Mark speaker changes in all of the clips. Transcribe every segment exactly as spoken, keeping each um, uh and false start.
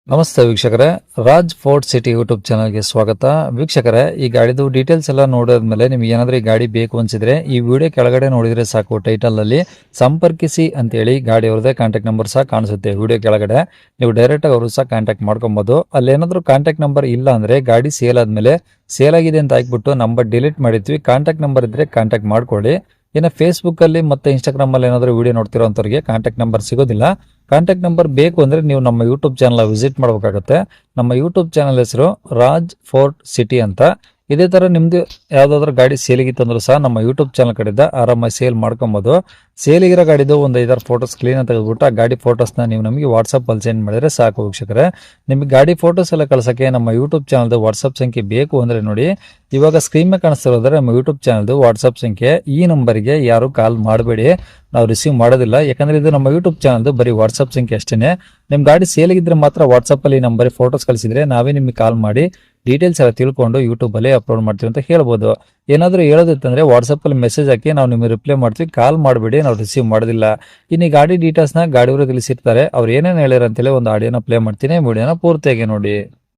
Speaker 1: ನಮಸ್ತೆ ವೀಕ್ಷಕರೇ, Raj fort city YouTube ಚಾನಲ್ಗೆ ಸ್ವಾಗತ. ವೀಕ್ಷಕರೇ, ಈ ಗಾಡಿದು ಡೀಟೇಲ್ಸ್ ಎಲ್ಲ ನೋಡಿದ್ಮೇಲೆ ನಿಮ್ಗೆ ಏನಾದರೂ ಈ ಗಾಡಿ ಬೇಕು ಅನ್ಸಿದ್ರೆ ಈ ವಿಡಿಯೋ ಕೆಳಗಡೆ ನೋಡಿದ್ರೆ ಸಾಕು, ಟೈಟಲ್ ಅಲ್ಲಿ ಸಂಪರ್ಕಿಸಿ ಅಂತೇಳಿ ಗಾಡಿ ಅವ್ರದ್ದೇ ಕಾಂಟ್ಯಾಕ್ಟ್ ನಂಬರ್ ಸಹ ಕಾಣಿಸುತ್ತೆ. ವಿಡಿಯೋ ಕೆಳಗಡೆ ನೀವು ಡೈರೆಕ್ಟ್ ಆಗಿ ಅವರು ಸಹ ಕಾಂಟ್ಯಾಕ್ಟ್ ಮಾಡ್ಕೊಬಹುದು. ಅಲ್ಲಿ ಏನಾದರೂ ಕಾಂಟ್ಯಾಕ್ಟ್ ನಂಬರ್ ಇಲ್ಲ ಅಂದ್ರೆ ಗಾಡಿ ಸೇಲ್ ಆದ್ಮೇಲೆ ಸೇಲ್ ಆಗಿದೆ ಅಂತ ಹಾಕ್ಬಿಟ್ಟು ನಂಬರ್ ಡಿಲೀಟ್ ಮಾಡಿರ್ತೀವಿ. ಕಾಂಟ್ಯಾಕ್ಟ್ ನಂಬರ್ ಇದ್ರೆ ಕಾಂಟ್ಯಾಕ್ಟ್ ಮಾಡ್ಕೊಳ್ಳಿ. ಇನ್ನು ಫೇಸ್ಬುಕ್ ಅಲ್ಲಿ ಮತ್ತೆ ಇನ್ಸ್ಟಾಗ್ರಾಮ್ ಅಲ್ಲಿ ಏನಾದರೂ ವಿಡಿಯೋ ನೋಡ್ತಿರೋಂಥವ್ರಿಗೆ ಕಾಂಟ್ಯಾಕ್ಟ್ ನಂಬರ್ ಸಿಗೋದಿಲ್ಲ. ಕಾಂಟ್ಯಾಕ್ಟ್ ನಂಬರ್ ಬೇಕು ಅಂದ್ರೆ ನೀವು ನಮ್ಮ ಯೂಟ್ಯೂಬ್ ಚಾನಲ್ ವಿಸಿಟ್ ಮಾಡಬೇಕಾಗುತ್ತೆ. ನಮ್ಮ ಯೂಟ್ಯೂಬ್ ಚಾನಲ್ ಹೆಸರು ರಾಜ್ ಫೋರ್ಟ್ ಸಿಟಿ ಅಂತ. ಇದೇ ತರ ನಿಮ್ದು ಯಾವ್ದಾದ್ರು ಗಾಡಿ ಸೇಲಿಗಿತ್ತು ಅಂದ್ರೂ ಸಹ ನಮ್ಮ ಯೂಟ್ಯೂಬ್ ಚಾನಲ್ ಕಡೆಯಿಂದ ಆರಾಮಾಗಿ ಸೇಲ್ ಮಾಡ್ಕೊಬಹುದು. ಸೇಲಿಗಿರೋ ಗಾಡಿದು ಒಂದು ಐದಾರು ಫೋಟೋಸ್ ಕ್ಲೀನ್ ತೆಗೆದುಬಿಟ್ಟು ಆ ಗಾಡಿ ಫೋಟೋಸ್ನ ನೀವು ನಮಗೆ ವಾಟ್ಸಪ್ ಅಲ್ಲಿ ಸೆಂಡ್ ಮಾಡಿದ್ರೆ ಸಾಕು ವೀಕ್ಷಕರೇ. ನಿಮಗೆ ಗಾಡಿ ಫೋಟೋಸ್ ಎಲ್ಲ ಕಳ್ಸಕ್ಕೆ ನಮ್ಮ ಯೂಟ್ಯೂಬ್ ಚಾನಲ್ದು ವಾಟ್ಸಪ್ ಸಂಖ್ಯೆ ಬೇಕು ಅಂದ್ರೆ ನೋಡಿ, ಇವಾಗ ಸ್ಕ್ರೀನ್ ಮೇಲೆ ಕಾಣಿಸ್ತಿರೋದ್ರೆ ನಮ್ಮ ಯೂಟ್ಯೂಬ್ ಚಾನಲ್ದು ವಾಟ್ಸಪ್ ಸಂಖ್ಯೆ. ಈ ನಂಬರ್ಗೆ ಯಾರು ಕಾಲ್ ಮಾಡಬೇಡಿ, ನಾವು ರಿಸೀವ್ ಮಾಡೋದಿಲ್ಲ. ಯಾಕಂದ್ರೆ ಇದು ನಮ್ಮ ಯೂಟ್ಯೂಬ್ ಚಾನಲ್ದು ಬರೀ ವಾಟ್ಸಪ್ ಸಂಖ್ಯೆ ಅಷ್ಟೇನೆ. ನಿಮ್ ಗಾಡಿ ಸೇಲಿಗಿದ್ರೆ ಮಾತ್ರ ವಾಟ್ಸಪ್ ಅಲ್ಲಿ ನಂಬರ್ ಫೋಟೋಸ್ ಕಳಿಸಿದ್ರೆ ನಾವೇ ನಿಮಗೆ ಕಾಲ್ ಮಾಡಿ ಡೀಟೇಲ್ಸ್ ಎಲ್ಲ ತಿಳ್ಕೊಂಡು ಯೂಟ್ಯೂಬ್ ಅಲ್ಲಿ ಅಪ್ಲೋಡ್ ಮಾಡ್ತೀವಿ ಅಂತ ಹೇಳ್ಬೋದು. ಏನಾದರೂ ಹೇಳೋದಿತ್ತಂದ್ರೆ ವಾಟ್ಸಪ್ ಅಲ್ಲಿ ಮೆಸೇಜ್ ಹಾಕಿ ನಾವು ನಿಮಗೆ ರಿಪ್ಲೈ ಮಾಡ್ತೀವಿ. ಕಾಲ್ ಮಾಡಬೇಡಿ, ನಾವು ರಿಸೀವ್ ಮಾಡೋದಿಲ್ಲ. ಇನ್ನು ಈ ಗಾಡಿ ಡೀಟೇಲ್ಸ್ ನ ಗಾಡಿಯವರು ತಿಳಿಸಿರ್ತಾರೆ, ಅವ್ರು ಏನೇನು ಹೇಳ್ಯಾರ ಅಂತೇಳಿ ಒಂದು ಆಡಿಯೋನ ಪ್ಲೇ ಮಾಡ್ತೀನಿ. ವಿಡಿಯೋನ ಪೂರ್ತಿಯಾಗಿ ನೋಡಿ.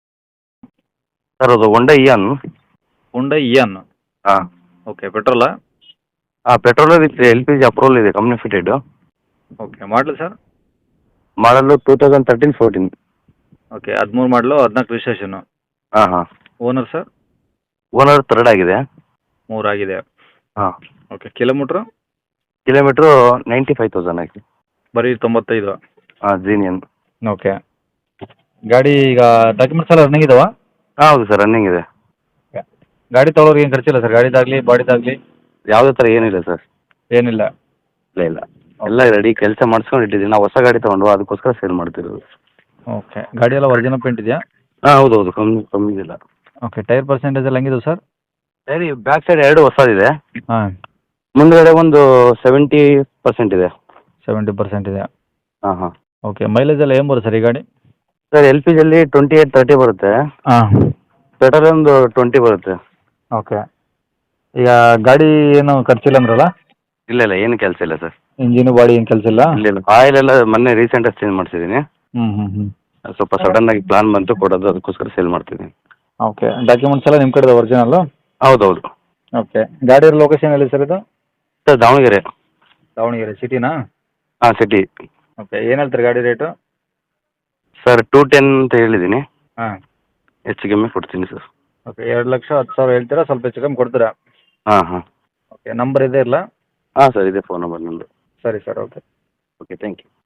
Speaker 2: ಸರ್ ಅದು ಹೊಂಡಾ ಇಯಾನ್.
Speaker 3: Hyundai Eon.
Speaker 2: ಹಾಂ
Speaker 3: ಓಕೆ, ಪೆಟ್ರೋಲಾ?
Speaker 2: ಹಾಂ petrol with L P G approval ಇದೆ, ಕಂಪ್ನಿ ಫಿಟೆಡ್.
Speaker 3: ಓಕೆ, ಮಾಡಲು ಸರ್?
Speaker 2: ಮಾಡಲು two thousand thirteen fourteen.
Speaker 3: Okay, ಹದಿಮೂರು ಮಾಡಲು, ಹದಿನಾಲ್ಕು ರಿಜಿಸ್ಟ್ರೇಷನು.
Speaker 2: ಹಾಂ ಹಾಂ.
Speaker 3: Owner sir?
Speaker 2: ಓನರ್ ಥರ್ಡ್ ಆಗಿದೆ.
Speaker 3: ಮೂರು ಆಗಿದೆ.
Speaker 2: ಹಾಂ.
Speaker 3: Okay, kilometre?
Speaker 2: Kilometre ninety five thousand ಆಗಿದೆ.
Speaker 3: ಬರೀ ತೊಂಬತ್ತೈದು.
Speaker 2: ಹಾಂ, ಜೀನಿಯನ್.
Speaker 3: ಓಕೆ, ಗಾಡಿ ಈಗ ಡಾಕ್ಯುಮೆಂಟ್ಸ್ ಎಲ್ಲ ರನ್ನಿಂಗ್ ಇದಾವಾ?
Speaker 2: ಹಾಂ ಹೌದು ಸರ್, ರನ್ನಿಂಗ್ ಇದೆ.
Speaker 3: ಗಾಡಿ ತೊಗೊಳೋರಿಗೆ ಏನು ಖರ್ಚಿಲ್ಲ ಸರ್? ಗಾಡಿದಾಗಲಿ ಬಾಡಿದಾಗಲಿ
Speaker 2: ಯಾವುದೇ ಥರ ಏನಿಲ್ಲ ಸರ್.
Speaker 3: ಏನಿಲ್ಲ?
Speaker 2: ಇಲ್ಲ ಇಲ್ಲ, ಎಲ್ಲ ರೆಡಿ, ಕೆಲಸ ಮಾಡಿಸ್ಕೊಂಡು ಇಟ್ಟಿದ್ದೀವಿ. ನಾವು ಹೊಸ ಗಾಡಿ ತೊಗೊಂಡು ಅದಕ್ಕೋಸ್ಕರ ಸೇಲ್ ಮಾಡ್ತಿರೋದು.
Speaker 3: ಓಕೆ, ಗಾಡಿ ಎಲ್ಲ ಒರಿಜಿನಲ್ ಪೇಂಟ್ ಇದೆಯಾ?
Speaker 2: ಹಾಂ ಹೌದು ಹೌದು, ಕಮ್ಮಿ ಕಮ್ಮಿ ಇಲ್ಲ.
Speaker 3: ಓಕೆ, ಟೈರ್ ಪರ್ಸೆಂಟೇಜ್ ಎಲ್ಲ ಹೆಂಗಿದೆ ಸರ್?
Speaker 2: ಸರಿ, ಬ್ಯಾಕ್ ಸೈಡ್ ಎರಡು ಹೊಸದಿದೆ,
Speaker 3: ಹಾಂ.
Speaker 2: ಮುಂದುಗಡೆ ಒಂದು ಸೆವೆಂಟಿ ಪರ್ಸೆಂಟ್ ಇದೆ.
Speaker 3: ಸೆವೆಂಟಿ ಪರ್ಸೆಂಟ್ ಇದೆ.
Speaker 2: ಹಾಂ ಹಾಂ.
Speaker 3: ಓಕೆ, ಮೈಲೇಜ್ ಎಲ್ಲ ಏನು ಬರುತ್ತೆ ಸರ್ ಈ ಗಾಡಿ?
Speaker 2: ಸರ್ ಎಲ್ ಪಿ ಜಿಯಲ್ಲಿ ಟ್ವೆಂಟಿ ಏಯ್ಟ್ ತರ್ಟಿ ಬರುತ್ತೆ.
Speaker 3: ಹಾಂ.
Speaker 2: ಪೆಟ್ರೋಲ್ ಒಂದು ಟ್ವೆಂಟಿ ಬರುತ್ತೆ.
Speaker 3: ಓಕೆ, ಈಗ ಗಾಡಿ ಏನು ಖರ್ಚಿಲ್ಲ ಅಂದ್ರಲ್ಲ?
Speaker 2: ಇಲ್ಲ ಇಲ್ಲ, ಏನು ಕೆಲಸ ಇಲ್ಲ ಸರ್.
Speaker 3: ಇಂಜಿನು ಬಾಡಿ ಏನು ಕೆಲಸ ಇಲ್ಲ?
Speaker 2: ಇಲ್ಲ ಇಲ್ಲ, ಆಯಿಲ್ ಎಲ್ಲ ಮೊನ್ನೆ ರೀಸೆಂಟಾಗಿ ಚೇಂಜ್ ಮಾಡಿಸಿದ್ದೀನಿ.
Speaker 3: ಹ್ಞೂ ಹ್ಞೂ ಹ್ಞೂ.
Speaker 2: ಸ್ವಲ್ಪ ಸಡನ್ ಆಗಿ ಪ್ಲಾನ್ ಬಂತು ಕೊಡೋದು, ಅದಕ್ಕೋಸ್ಕರ ಸೇಲ್ ಮಾಡ್ತಿದ್ದೀನಿ.
Speaker 3: ಓಕೆ, ಡಾಕ್ಯುಮೆಂಟ್ಸ್ ಎಲ್ಲ ನಿಮ್ಮ ಕಡೆದು ಒರಿಜಿನಲ್ಲು?
Speaker 2: ಹೌದೌದು.
Speaker 3: ಓಕೆ, ಗಾಡಿ ಲೊಕೇಶನ್ ಎಲ್ಲಿ ಸರ್ ಇದು?
Speaker 2: ಸರ್ ದಾವಣಗೆರೆ.
Speaker 3: ದಾವಣಗೆರೆ ಸಿಟಿನಾ?
Speaker 2: ಹಾಂ ಸಿಟಿ.
Speaker 3: ಓಕೆ, ಏನು ಹೇಳ್ತಾರೆ ಗಾಡಿ ರೇಟು?
Speaker 2: ಸರ್ ಟೂ ಟೆನ್ ಅಂತ ಹೇಳಿದ್ದೀನಿ,
Speaker 3: ಹಾಂ.
Speaker 2: ಹೆಚ್ಚು ಕಮ್ಮಿ ಕೊಡ್ತೀನಿ ಸರ್.
Speaker 3: ಓಕೆ, ಎರಡು ಲಕ್ಷ ಹತ್ತು ಸಾವಿರ ಹೇಳ್ತೀರಾ, ಸ್ವಲ್ಪ ಹೆಚ್ಚು ಕಮ್ಮಿ ಕೊಡ್ತೀರಾ?
Speaker 2: ಹಾಂ ಹಾಂ.
Speaker 3: ಓಕೆ, ನಂಬರ್ ಇದೆ ಇಲ್ಲ?
Speaker 2: ಹಾಂ ಸರ್, ಇದೆ ಫೋನ್ ನಂಬರ್ ನಂದು.
Speaker 3: ಸರಿ sir, okay.
Speaker 2: Okay, thank you.